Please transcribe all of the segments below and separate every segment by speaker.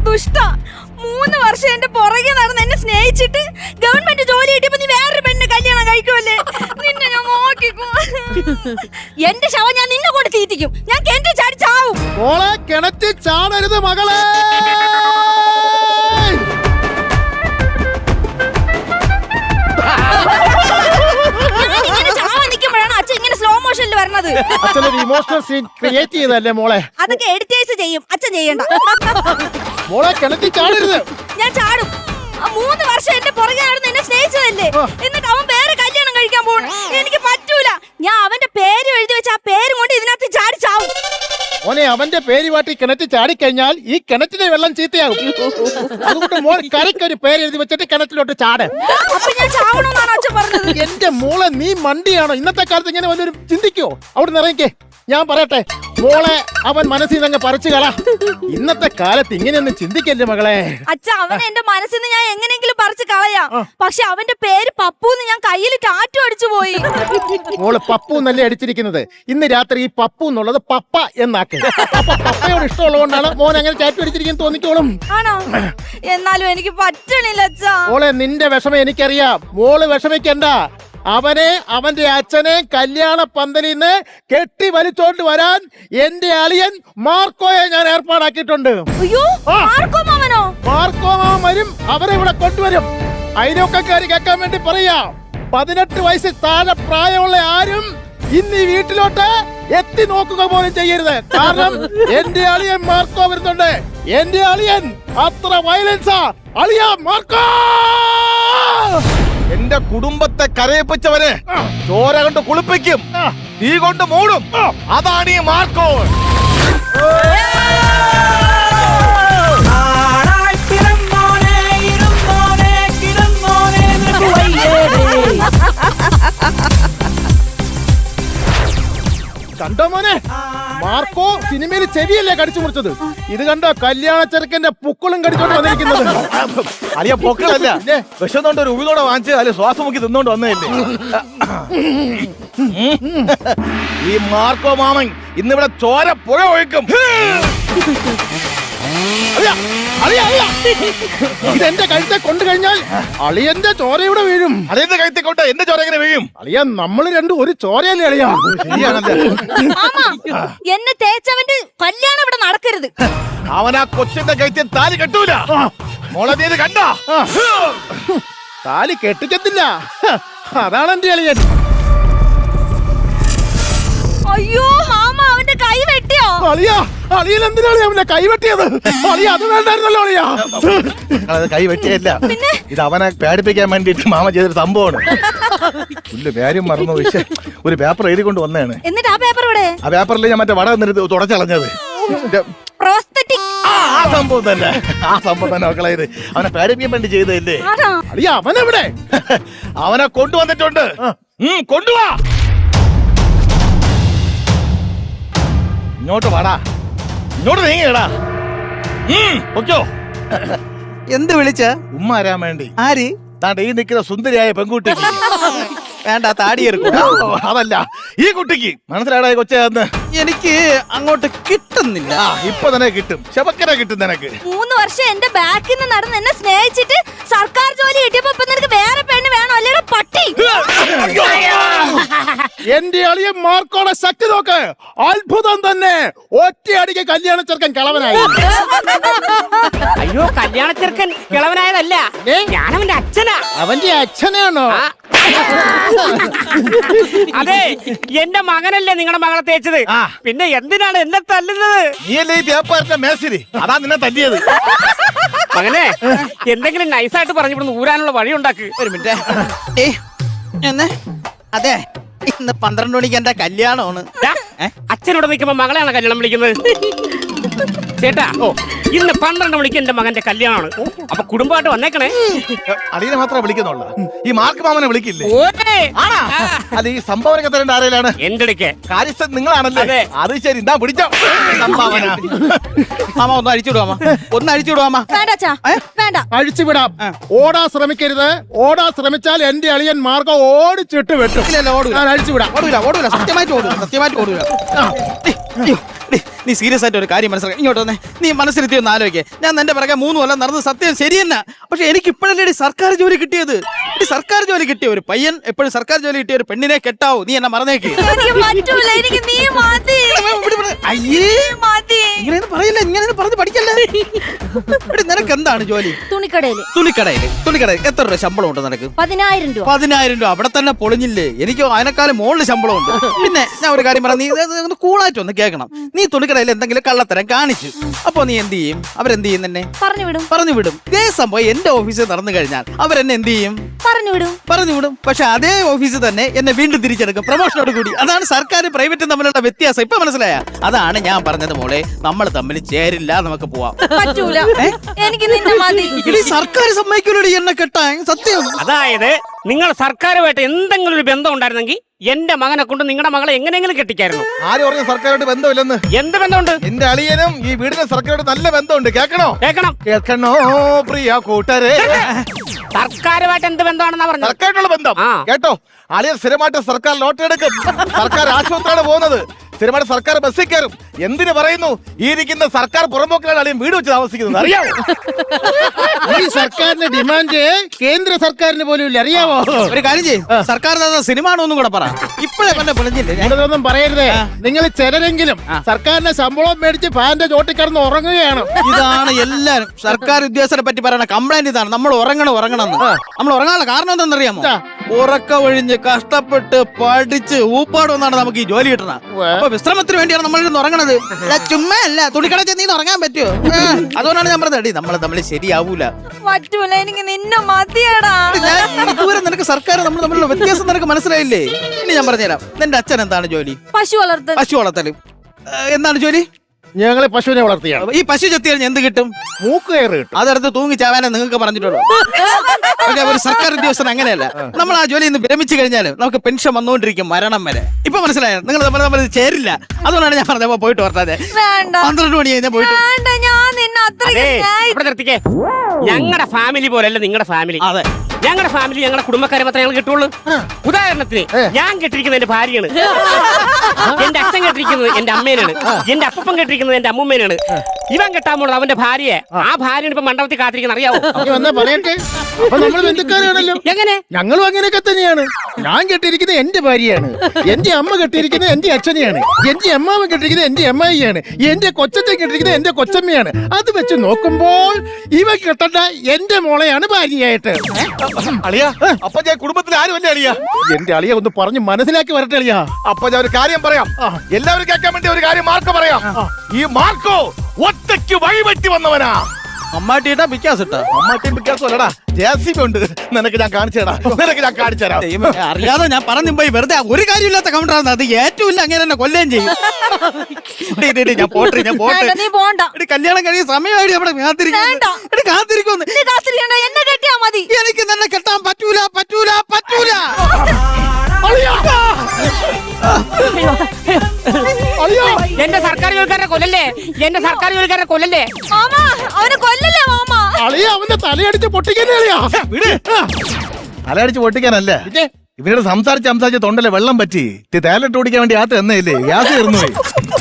Speaker 1: ദുഷ്ട 3 വർഷം എന്റെ പുറകെ നടന്ന് എന്നെ സ്നേഹിച്ചിട്ട് ഗവൺമെന്റ് ജോലി കിട്ടിയപ്പോ നീ വേറൊരു പെണ്ണിനെ കല്യാണം കഴിക്കുമല്ലേ? നിന്നെ ഞാൻ നോക്കിക്കോ. എന്റെ ശവം ഞാൻ നിന്നെ കൊണ്ട് തീറ്റിക്കും. ഞാൻ കിണറ്റിൽ ചാടി ചാവും.
Speaker 2: മോളെ കിണറ്റിൽ ചാടരുത് മകളെ.
Speaker 1: അച്ഛൻ ഇങ്ങനെ സ്ലോ മോഷനിൽ വരണത്.
Speaker 2: അച്ഛനൊരു ഇമോഷണൽ സീൻ ക്രിയേറ്റ് ചെയ്തല്ലേ മോളെ?
Speaker 1: അതൊക്കെ എഡിറ്റേഴ്സ് ചെയ്യും, അച്ഛൻ ചെയ്യണ്ട.
Speaker 2: മോളെ കിണറ്റിൽ ചാടരുത്.
Speaker 1: ഞാൻ ചാടും. 3 വർഷം എന്റെ പുറകെ നടന്ന് എന്നെ സ്നേഹിച്ചതല്ലേ, എന്നിട്ട് അവൻ വേറെ കല്യാണം കഴിക്കാൻ പോകണം. എനിക്ക് പറ്റൂല. ഞാൻ അവന്റെ പേര് എഴുതി വെച്ച ആ പേരും കൊണ്ട് ഇതിനകത്ത് ചാടി ചാവും.
Speaker 2: മോനെ അവന്റെ പേര് വാട്ടി കിണറ്റിൽ ചാടിക്കഴിഞ്ഞാൽ ഈ കിണറ്റിലെ വെള്ളം ചീത്തയാകും. അതുകൊണ്ട് മോൾ കരയ്ക്കൊരു പേര് എഴുതി വെച്ചിട്ട് കിണറ്റിലോട്ട് ചാട്.
Speaker 1: അപ്പൊ ഞാൻ ചാവണമെന്നാണ് അച്ഛൻ പറഞ്ഞത്.
Speaker 2: എന്റെ മോളെ നീ മണ്ടിയാണോ? ഇന്നത്തെ കാലത്ത് ഇങ്ങനെ വല്ലൊരു ചിന്തിക്കോ? അവിടെ നിറയിക്കേ. ഞാൻ പറയട്ടെ മോളെ, അവൻ മനസ്സിൽ നിന്ന് പറിച്ചു കള. ഇന്നത്തെ കാലത്ത് ഇങ്ങനെയൊന്നും ചിന്തിക്കല്ലേ മകളെ.
Speaker 1: അച്ഛ, അവൻ എന്റെ മനസ്സിൽ നിന്ന് ഞാൻ എങ്ങനെയെങ്കിലും പറിച്ചു കളയാം. പക്ഷെ അവന്റെ പേര് പപ്പൂന്ന് ഞാൻ കയ്യിൽ ടാറ്റു അടിച്ചു പോയി.
Speaker 2: മോള് പപ്പു എന്നല്ലേ അടിച്ചിരിക്കുന്നത്. ഇന്ന് രാത്രി ഈ പപ്പു എന്നുള്ളത് പപ്പ എന്നാക്ക്. അപ്പൊ പപ്പയോട് ഇഷ്ടമുള്ളതുകൊണ്ടാണ് മോൻ അങ്ങനെ ടാറ്റു അടിച്ചിരിക്കുന്നു തോന്നിക്കോളും.
Speaker 1: ആണോ? എന്നാലും എനിക്ക് പറ്റണില്ല അച്ഛാ.
Speaker 2: മോളെ നിന്റെ വിഷമം എനിക്കറിയാം. മോള് വിഷമിക്കണ്ട. അവനെ അവന്റെ അച്ഛനെ കല്യാണ പന്തലിൽ നിന്ന് കെട്ടി വലിച്ചോണ്ട് വരാൻ എന്റെ അളിയൻ മാർക്കോയെ ഞാൻ ഏർപ്പാടാക്കിയിട്ടുണ്ട്.
Speaker 1: അയ്യോ, മാർക്കോ മാമനോ?
Speaker 2: മാർക്കോ മാമൻ വരും, അവരെ ഇവിടെ കൊണ്ടുവരും. അയൽവക്കക്കാര് കേൾക്കാൻ വേണ്ടി പറയാ, 18 വയസ്സിൽ താഴെ പ്രായമുള്ള ആരും ഇന്ന് ഈ വീട്ടിലോട്ട് എത്തി നോക്കുക പോലും ചെയ്യരുത്. കാരണം എന്റെ അളിയൻ മാർക്കോ വരുന്നുണ്ട്. എന്റെ അളിയൻ അത്ര വയലൻസാ. അളിയ മാർക്കോ,
Speaker 3: എന്റെ കുടുംബത്തെ കരയിപ്പിച്ചവരെ ചോര കൊണ്ട് കുളിപ്പിക്കും, തീ കൊണ്ട് മൂടും. അതാണ് ഈ മാർക്കോ.
Speaker 2: കണ്ടോ മോനെ, മാർക്കോ സിനിമയിൽ ചെവിയല്ലേ കടിച്ചു മുറിച്ചത്. ഇത് കണ്ടോ കല്യാണ ചെറുക്കന്റെ പുക്കളും കടിച്ചോണ്ട് വന്നിരിക്കുന്നത്.
Speaker 3: അളിയ പൊക്കളല്ല, വിശന്നോണ്ട് ഒരു ഉഴുന്നോടെ വാങ്ങിച്ച് അല്ലെ ശ്വാസം മുക്കി തിന്നോണ്ട് വന്നതല്ലേ. ഈ മാർക്കോ മാമൻ ഇന്നിവിടെ ചോര പുഴ ഒഴുക്കും.
Speaker 2: ഇതെന്റെ കഴുത്തെ കൊണ്ടു കഴിഞ്ഞാൽ അളിയന്റെ ചോരയുടെ വീഴും.
Speaker 3: അളിയന്റെ കഴുത്തെ കൊണ്ട് എന്റെ ചോര എങ്ങനെ വീഴും?
Speaker 2: അളിയ നമ്മള് രണ്ടും ഒരു ചോരയല്ലേ അളിയ?
Speaker 1: എന്നെ തേച്ചവന്റെ കല്യാണം ഇവിടെ നടക്കരുത്.
Speaker 3: അവൻ ആ കൊച്ചിന്റെ കഴുത്തിൽ താലി കെട്ടൂല. മോളെ നീ ഇത് കണ്ടാ?
Speaker 2: താലി കെട്ടിക്കത്തില്ല. അതാണ് എന്റെ അളിയൻ.
Speaker 1: അയ്യോ മാമ, അവന്റെ കൈ വെട്ടിയോ?
Speaker 2: അളിയ, അളിയൻ എന്തിനാണ് അവന്റെ കൈ വെട്ടിയത്? അളിയ അത് വേണ്ടായിരുന്നല്ലോ അളിയ.
Speaker 3: അത് കൈ വെട്ടിയല്ല, ഇത് അവനെ പേടിപ്പിക്കാൻ വേണ്ടിട്ട് മാമ ചെയ്തൊരു സംഭവമാണ്. കാര്യം മറന്നു. ഒരു പേപ്പർ എഴുതി കൊണ്ട് വന്നതാണ്.
Speaker 1: എന്നിട്ട് ആ പേപ്പർ ഇവിടെ?
Speaker 3: ആ പേപ്പറിൽ ഞാൻ മറ്റേ വട നിന്നിട്ട് തുടച്ചളഞ്ഞത്. ആ സംഭവം തന്നെ, ആ സംഭവം തന്നെ മക്കളെ. ഇത് അവനെ പേടിപ്പിക്കാൻ വേണ്ടി ചെയ്തതല്ലേ.
Speaker 2: അളിയ അവനെവിടെ?
Speaker 3: അവനെ കൊണ്ടുവന്നിട്ടുണ്ട്. കൊണ്ടുവാ, ഇങ്ങോട്ട് വാടാ, ഇങ്ങോട്ട് നീങ്ങിയടാ. ഓക്കോ,
Speaker 4: എന്ത് വിളിച്ച?
Speaker 3: ഉമ്മ വരാൻ വേണ്ടി.
Speaker 4: ആര്?
Speaker 3: താണ്ട ഈ നിൽക്കുന്ന സുന്ദരിയായ പെൺകുട്ടി.
Speaker 4: വേണ്ട, താടിയെടുക്കും.
Speaker 3: അതല്ല, ഈ കുട്ടിക്ക് മനസ്സിലാടാ കൊച്ചെന്ന്.
Speaker 4: എനിക്ക് അങ്ങോട്ട് കിട്ടുന്നില്ല.
Speaker 3: ഇപ്പൊ തന്നെ കിട്ടും, ശബക്കര കിട്ടും നിനക്ക്.
Speaker 1: 3 വർഷം എന്റെ ബാക്കിൽ നിന്ന് നടന്ന് എന്നെ സ്നേഹിച്ചിട്ട് സർക്കാർ ജോലി കിട്ടിയപ്പോ ഇപ്പൊ നിനക്ക് വേറെ പെണ്ണ് വേണോ? അല്ലേടാ പട്ടി.
Speaker 2: എന്റെ അളിയൻ മാർക്കോടെ ശക്തി നോക്ക്. അത്ഭുതം തന്നെ. ഒറ്റയടിക്ക് കല്യാണ ചെറുക്കൻ കിളവനായി.
Speaker 5: അയ്യോ, കല്യാണ ചെറുക്കൻ കിളവനായതല്ല, ഞാനവന്റെ അച്ഛനാ.
Speaker 2: അവന്റെ അച്ഛനാണോ?
Speaker 5: അതെ, എന്റെ മകനല്ലേ നിങ്ങളുടെ മകളെ തേച്ചത്. പിന്നെ എന്തിനാണ് എന്നെ തല്ലുന്നത്?
Speaker 3: നീയല്ലേ ഈ വ്യാപാരത്തെ മേശിരി, അതാ നിന്നെ തല്ലിയത്.
Speaker 5: മകനെ, എന്തെങ്കിലും നൈസായിട്ട് പറഞ്ഞു ഇവിടുന്ന് ഊരാനുള്ള വഴി ഉണ്ടാക്ക്.
Speaker 4: ഒരു മിനിറ്റ്. അതെ, ഇന്ന് 12 മണിക്ക് എന്റെ കല്യാണമാണ്.
Speaker 5: അച്ഛനോട് നിൽക്കുമ്പോ മകളെയാണ് കല്യാണം വിളിക്കുന്നത്. ചേട്ടാ, ഇന്ന് 12 മണിക്ക് എന്റെ മകന്റെ കല്യാണമാണ്. അപ്പൊ കുടുംബമായിട്ട് വന്നേക്കണേ.
Speaker 3: അളിയനെ മാത്രമേ വിളിക്കുന്നുള്ളൂ, ഈ മാർക്ക് മാമനെ വിളിക്കില്ലേ?
Speaker 5: ആണാ?
Speaker 3: അത് ഈ സംഭാവനയൊക്കെ തരേണ്ട ആരെയാണ്?
Speaker 5: എന്റെ അടുക്കെ
Speaker 3: കാര്യസ്ഥൻ നിങ്ങളാണല്ലേ? അത് ശരി, എന്താ പിടിച്ചോ സംഭാവന.
Speaker 4: മാമ ഒന്ന് അഴിച്ചുവിടുവാ, ഒന്ന് അഴിച്ചുവിടുവാ.
Speaker 1: വേണ്ട,
Speaker 2: അഴിച്ചുവിടാം. ഓടാൻ ശ്രമിക്കരുത്. ഓടാൻ ശ്രമിച്ചാൽ എന്റെ അളിയൻ മാർഗം ഓടിച്ചിട്ട് വെട്ടും.
Speaker 4: ഓടൂല,
Speaker 2: അഴിച്ചുവിടാം.
Speaker 4: ഓടൂല, ഓടൂല, സത്യമായിട്ട് ഓടൂല, സത്യമായിട്ട് ഓടൂല. നീ സീരിയസ് ആയിട്ട് ഒരു കാര്യം മനസ്സിലാക്കി ഇങ്ങോട്ട് വന്നേ. നീ മനസ്സിലെത്തി ഒന്ന് ആലോചിക്കേ. ഞാൻ നിന്റെ പിറകെ 3 കൊല്ലം നടന്ന് സത്യം ശരിയെന്നാ. പക്ഷെ എനിക്ക് ഇപ്പോഴല്ലേ സർക്കാർ ജോലി കിട്ടിയത്. സർക്കാർ ജോലി കിട്ടിയ ഒരു പയ്യൻ എപ്പോഴും സർക്കാർ ജോലി കിട്ടിയ ഒരു പെണ്ണിനെ കെട്ടാവൂ. നീ എന്നെ മറന്നേക്ക്.
Speaker 1: എനിക്ക് പറ്റൂല, എനിക്ക് നീ മതി.
Speaker 4: അയ്യേ
Speaker 1: മതി.
Speaker 4: ഇങ്ങനെ പറയില്ല, ഇങ്ങനെ പറഞ്ഞ് പഠിക്കല്ലേ. നിനക്ക് എന്താണ് ജോലി?
Speaker 1: തുണിക്കടയില്.
Speaker 4: തുണിക്കടയിൽ എത്ര രൂപ ശമ്പളം ഉണ്ട് നിനക്ക്?
Speaker 1: 10,000 രൂപ.
Speaker 4: 10,000 രൂപ. അവിടെ തന്നെ പൊളിഞ്ഞില്ലേ? എനിക്ക് അതിനേക്കാളും മുകളിൽ ശമ്പളം ഉണ്ട്. പിന്നെ ഞാൻ ഒരു കാര്യം പറയാം, നീ ഒന്ന് കൂളായിട്ട് ഒന്ന് കേൾക്കണം. നീ തുണിക്കടയിൽ എന്തെങ്കിലും കള്ളത്തരം കാണിച്ചു, അപ്പൊ നീ എന്ത് ചെയ്യും? അവരെന്ത് ചെയ്യും? തന്നെ പറഞ്ഞു വിടും. ഇതേ സംഭവം എന്റെ ഓഫീസിൽ നടന്നു കഴിഞ്ഞാൽ അവരെന്നെ എന്ത് ചെയ്യും? പറഞ്ഞു വിടും. പക്ഷെ അതേ ഓഫീസിൽ തന്നെ എന്നെ വീണ്ടും തിരിച്ചെടുക്കും, പ്രൊമോഷനോട് കൂടി. അതാണ് സർക്കാർ പ്രൈവറ്റും തമ്മിലുള്ള വ്യത്യാസം. ഇപ്പൊ മനസ്സിലായ? അതാണ് ഞാൻ പറഞ്ഞത് മോളെ, നമ്മൾ തമ്മിൽ ചേരില്ല, നമുക്ക് പോവാം.
Speaker 1: പറ്റൂല, എനിക്ക് നിന്നെ മതി.
Speaker 4: സർക്കാർ സമ്മതിക്കൂലടി എന്നെ കെട്ടാൻ. സത്യം.
Speaker 5: അതായത് നിങ്ങൾ സർക്കാരുമായിട്ട് എന്തെങ്കിലും ഒരു ബന്ധം ഉണ്ടായിരുന്നെങ്കിൽ എന്റെ മകനെ കൊണ്ട് നിങ്ങളുടെ മകളെ എങ്ങനെയെങ്കിലും കെട്ടിക്കായിരുന്നു.
Speaker 3: ആര് പറഞ്ഞു സർക്കാരോട് ബന്ധമില്ലെന്ന്?
Speaker 5: എന്ത് ബന്ധമുണ്ട്?
Speaker 3: എന്റെ അളിയനും ഈ വീടിന് സർക്കാരോട് നല്ല ബന്ധമുണ്ട്.
Speaker 5: കേൾക്കണം
Speaker 3: പ്രിയ കൂട്ടരെ.
Speaker 5: സർക്കാരുമായിട്ട് എന്ത് ബന്ധമാണെന്നാ പറഞ്ഞത്?
Speaker 3: സർക്കാരുള്ള ബന്ധം കേട്ടോ. അളിയൻ സ്ഥിരമായിട്ട് സർക്കാർ ലോട്ടറി എടുക്കും, സർക്കാർ ആശുപത്രിയാണ് പോകുന്നത്, സ്ഥിരമായിട്ട് സർക്കാർ ബസ്സിൽ കയറും. എന്തിനു പറയുന്നു? ഈ ഇരിക്കുന്ന സർക്കാർ പുറമ്പോക്കിലാണ് അളിയൻ വീട് വെച്ച് താമസിക്കുന്നത്, അറിയാമോ?
Speaker 2: ഈ സർക്കാരിന്റെ ഡിമാൻഡ് കേന്ദ്ര സർക്കാരിന് പോലും ഇല്ല, അറിയാമോ?
Speaker 4: ഒരു കാര്യം ചെയ്യും, സർക്കാർ സിനിമ ആണോന്നും കൂടെ പറ. ഇപ്പോഴേ പറഞ്ഞ പൊളിഞ്ഞില്ലേ?
Speaker 2: ഞാനിതൊന്നും പറയരുതേ. നിങ്ങൾ ചിലരെങ്കിലും സർക്കാരിന്റെ ശമ്പളം മേടിച്ച് ഫാന്റെ ചോട്ടിൽ കിടന്ന് ഉറങ്ങുകയാണ്.
Speaker 4: ഇതാണ് എല്ലാരും സർക്കാർ ഉദ്യോഗസ്ഥരെ പറ്റി പറയുന്ന കംപ്ലൈന്റ്. ഇതാണ് നമ്മൾ ഉറങ്ങണം. നമ്മൾ ഉറങ്ങാനുള്ള കാരണം എന്താണെന്നറിയാമോ? ഉറക്ക ഒഴിഞ്ഞ് കഷ്ടപ്പെട്ട് പഠിച്ച് ഊപ്പാട് വന്നാണ് നമുക്ക് ഈ ജോലി കിട്ടണം. അപ്പൊ വിശ്രമത്തിന് വേണ്ടിയാണ് നമ്മൾ ഇന്ന് ഉറങ്ങണത്. ചുമ്മാ അല്ല, തുണിക്കട ചെന്ന് ഉറങ്ങാൻ പറ്റുമോ? അതുകൊണ്ടാണ് ഞാൻ പറഞ്ഞത്, നമ്മൾ തമ്മിൽ ശരിയാവൂല.
Speaker 1: പറ്റൂല, എനിക്ക് നിന്നെ മതിയടാ.
Speaker 4: ഇതുവരെ നിനക്ക് സർക്കാർ നമ്മൾ തമ്മിലുള്ള വ്യത്യാസം നിനക്ക് മനസ്സിലായില്ലേ? ഇനി ഞാൻ പറഞ്ഞുതരാം. നിന്റെ അച്ഛൻ എന്താണ് ജോലി?
Speaker 1: പശു വളർത്തൽ.
Speaker 4: എന്താണ് ജോലി?
Speaker 2: ഞങ്ങളെ പശുവിനെ വളർത്തിയാണ്.
Speaker 4: ഈ പശു ചെത്തി കഴിഞ്ഞാൽ എന്ത് കിട്ടും?
Speaker 2: മൂക്ക് കയറി കിട്ടും.
Speaker 4: അതെടുത്ത് തൂങ്ങി ചാവാനേ നിങ്ങൾക്ക് പറഞ്ഞിട്ടുള്ളൂ. ഒരു സർക്കാർ ഉദ്യോഗസ്ഥൻ അങ്ങനെയല്ല. നമ്മൾ ആ ജോലി ഇന്ന് വിരമിച്ചു കഴിഞ്ഞാൽ നമുക്ക് പെൻഷൻ വന്നുകൊണ്ടിരിക്കും മരണം വരെ. ഇപ്പൊ മനസ്സിലായോ? നിങ്ങൾ തമ്മിൽ ചേരില്ല. അതുകൊണ്ടാണ് ഞാൻ പറഞ്ഞത് പോയിട്ട് വരട്ടെ. 12 മണി കഴിഞ്ഞാൽ പോയിട്ട്.
Speaker 5: ഞങ്ങളുടെ ഫാമിലി പോലല്ല നിങ്ങളുടെ ഫാമിലി.
Speaker 4: അതെ,
Speaker 5: ഞങ്ങളുടെ ഫാമിലി ഞങ്ങളുടെ കുടുംബക്കാരെ മാത്രമേ ഞങ്ങൾ കിട്ടുള്ളൂ. ഉദാഹരണത്തിന് ഞാൻ കെട്ടിരിക്കുന്നത് എന്റെ ഭാര്യയാണ്, എന്റെ അച്ഛൻ കെട്ടിരിക്കുന്നത് എന്റെ അമ്മേനാണ്, എന്റെ അപ്പൻ കെട്ടിരിക്കുന്നത് എന്റെ അമ്മൂമ്മേനാണ്. ഇവൻ കെട്ടാൻ പോണത് അവന്റെ ഭാര്യയെ. ആ ഭാര്യയാണ് ഇപ്പൊ മണ്ഡപത്തിൽ കാത്തിരിക്കുന്ന, അറിയാവോ?
Speaker 2: പറയട്ടെ, അപ്പൊ നമ്മൾ ബന്ധുക്കാരാണല്ലോ.
Speaker 5: എങ്ങനെ?
Speaker 2: ഞങ്ങളും അങ്ങനെയൊക്കെ തന്നെയാണ്. ഞാൻ കെട്ടിയിരിക്കുന്നത് എന്റെ ഭാര്യയാണ്, എന്റെ അമ്മ കെട്ടിയിരിക്കുന്നത് എന്റെ അച്ഛനെയാണ്, എന്റെ അമ്മാവൻ കെട്ടിയിരിക്കുന്നത് എന്റെ അമ്മായിയാണ്, എന്റെ കൊച്ചച്ഛൻ കെട്ടിയിരിക്കുന്നത് എന്റെ കൊച്ചമ്മയാണ്. അത് വെച്ച് നോക്കുമ്പോൾ ഇവ കെട്ടേണ്ട എന്റെ മോളെയാണ് ഭാര്യയായിട്ട്.
Speaker 3: അളിയ, അപ്പൊ ഞാൻ കുടുംബത്തിൽ ആരുമല്ലേ അളിയ?
Speaker 2: എന്റെ അളിയ ഒന്ന് പറഞ്ഞ് മനസ്സിലാക്കി വരട്ടെ അളിയ.
Speaker 3: അപ്പൊ ഞാൻ ഒരു കാര്യം പറയാം, എല്ലാവരും കേൾക്കാൻ വേണ്ടി ഒരു കാര്യം മാർക്കോ പറയാം. ഈ മാർക്കോ ഒറ്റയ്ക്ക് വഴിവെട്ടി വന്നവനാ.
Speaker 4: അമ്മാട്ടിട്ടാ പിക്കാസ് ഇട്ടാ?
Speaker 3: അമ്മാട്ടിയും പിക്കാസും അല്ലടാ, ജെസിബി ഉണ്ട്. നിനക്ക് ഞാൻ കാണിച്ചു തരാം.
Speaker 4: അറിയാതെ ഞാൻ പറഞ്ഞു പോയി. വെറുതെ ഒരു കാര്യമില്ലാത്ത കൗണ്ടറാണ് അത്. ഏറ്റവും ഇല്ല അങ്ങനെ തന്നെ കൊല്ലുകയും ചെയ്യും. ഞാൻ പോട്ടെ.
Speaker 1: നീ പോണ്ട.
Speaker 4: കല്യാണം കഴിയും സമയമായിട്ട് അവിടെ കാത്തിരിക്കുന്നു.
Speaker 1: എന്നെ കെട്ടിയാ മതി.
Speaker 4: എനിക്ക് തന്നെ കെട്ടാൻ പറ്റൂല.
Speaker 5: എന്റെ സർക്കാർ ജോലിക്കാരെ കൊല്ലല്ലേ.
Speaker 1: മാമ, അവനെ കൊല്ലല്ലേ മാമ.
Speaker 2: അളിയ അവന്റെ തലയടിച്ച് പൊട്ടിക്കന്നെ അളിയാ.
Speaker 3: തലയടിച്ച് പൊട്ടിക്കാനല്ലേ, ഇവരോട് സംസാരിച്ച് തൊണ്ടല്ലേ വെള്ളം പറ്റി. തേലിട്ട് ഓടിക്കാൻ വേണ്ടി ആട്ട് തന്നെയില്ലേ, ഗ്യാസ് തീർന്നു പോയി.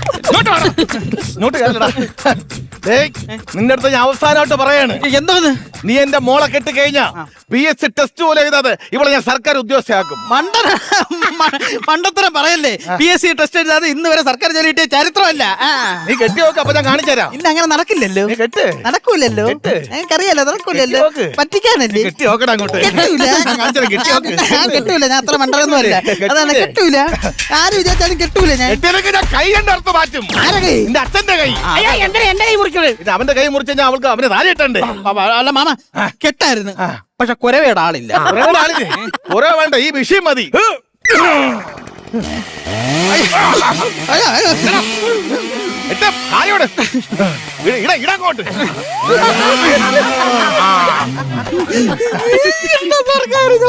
Speaker 3: നിന്റെ അടുത്ത് ഞാൻ അവസാനമായിട്ട് പറയാണ്.
Speaker 4: എന്തോന്ന്?
Speaker 3: നീ എന്റെ മോളെ കെട്ടി കഴിഞ്ഞാ PSC ടെസ്റ്റ് പോലെ എഴുതാതെ ഇവളെ ഞാൻ സർക്കാർ ഉദ്യോഗസ്ഥയാക്കും.
Speaker 4: മണ്ടത്തരം പറയല്ലേ. PSC ടെസ്റ്റ് എഴുതാതെ ഇന്ന് വരെ സർക്കാർ ജോലി കിട്ടിയ ചരിത്രമല്ല.
Speaker 3: നീ കെട്ടി നോക്ക്, അപ്പൊ ഞാൻ കാണിച്ചു തരാം.
Speaker 4: ഇല്ല, അങ്ങനെ നടക്കില്ലല്ലോ.
Speaker 3: നടക്കൂലല്ലോ,
Speaker 4: എനിക്കറിയാലോ. നടക്കൂലല്ലോ, പറ്റിക്കാനല്ലേ.
Speaker 3: കെട്ടി നോക്കടാ അങ്ങോട്ട്.
Speaker 4: കെട്ടൂല, ഞാൻ അത്ര മണ്ടൊന്നും അല്ല. അതാണ് കെട്ടൂല. ആര് വിചാരിച്ചാലും കെട്ടൂല. ഞാൻ
Speaker 3: കൈ കണ്ട അർത്ഥം മാറ്റും.
Speaker 4: എന്റെ
Speaker 3: അച്ഛന്റെ കൈ.
Speaker 5: എന്റെ കൈ മുറിക്കുന്നത്.
Speaker 3: അവന്റെ കൈ മുറിച്ച് കഴിഞ്ഞാൽ അവൾക്ക് അവന് താഴെ ഇട്ടുണ്ട്.
Speaker 4: അല്ല മാമ, കെട്ടായിരുന്നു. പക്ഷെ കുരവയുടെ ആളില്ല.
Speaker 3: കുറെ വേണ്ട, ഈ വിഷയം മതി. ഇടങ്ങോട്ട്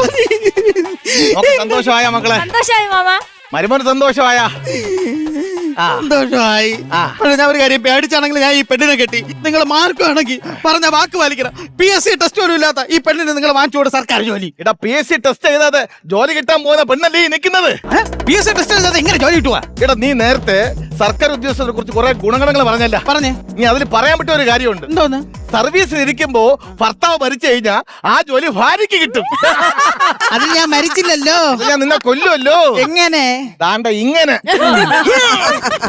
Speaker 4: സന്തോഷമായ മക്കളെ?
Speaker 1: സന്തോഷമായി മാമ.
Speaker 3: മരുമോന് സന്തോഷമായ?
Speaker 4: സന്തോഷമായി. പക്ഷേ ഞാൻ ഒരു കാര്യം പേടിച്ചാണെങ്കിൽ ഞാൻ ഈ പെണ്ണിനെ കെട്ടി. നിങ്ങൾ മാർക്കുവാണെങ്കിൽ പറഞ്ഞ വാക്ക് പാലിക്കണം. PSC ടെസ്റ്റ് പോലും ഇല്ലാത്ത ഈ പെണ്ണിന് നിങ്ങൾ വാങ്ങിച്ചുകൊണ്ട് സർക്കാർ ജോലി.
Speaker 3: എടാ PSC ടെസ്റ്റ് ചെയ്താതെ ജോലി കിട്ടാൻ പോകുന്ന പെണ്ണല്ലേ ഈ നിൽക്കുന്നത്.
Speaker 4: PSC ടെസ്റ്റ് ചെയ്താൽ എങ്ങനെ ജോലി കിട്ടുവാ?
Speaker 3: എടാ നീ നേരത്തെ സർക്കാർ ഉദ്യോഗസ്ഥരെ കുറിച്ച് കുറെ ഗുണഗണങ്ങൾ പറഞ്ഞല്ല.
Speaker 4: പറഞ്ഞേ.
Speaker 3: നീ അതിൽ പറയാൻ പറ്റിയ ഒരു കാര്യമുണ്ട്.
Speaker 4: എന്തോന്ന്?
Speaker 3: സർവീസിൽ ഇരിക്കുമ്പോ ഭർത്താവ് മരിച്ചു കഴിഞ്ഞാൽ ആ ജോലി ഭാര്യയ്ക്ക് കിട്ടും.
Speaker 4: അത് ഞാൻ മരിച്ചില്ലല്ലോ.
Speaker 3: അത് ഞാൻ നിന്നെ കൊല്ലുമല്ലോ.
Speaker 4: എങ്ങനെ?
Speaker 3: ദാണ്ട ഇങ്ങനെ.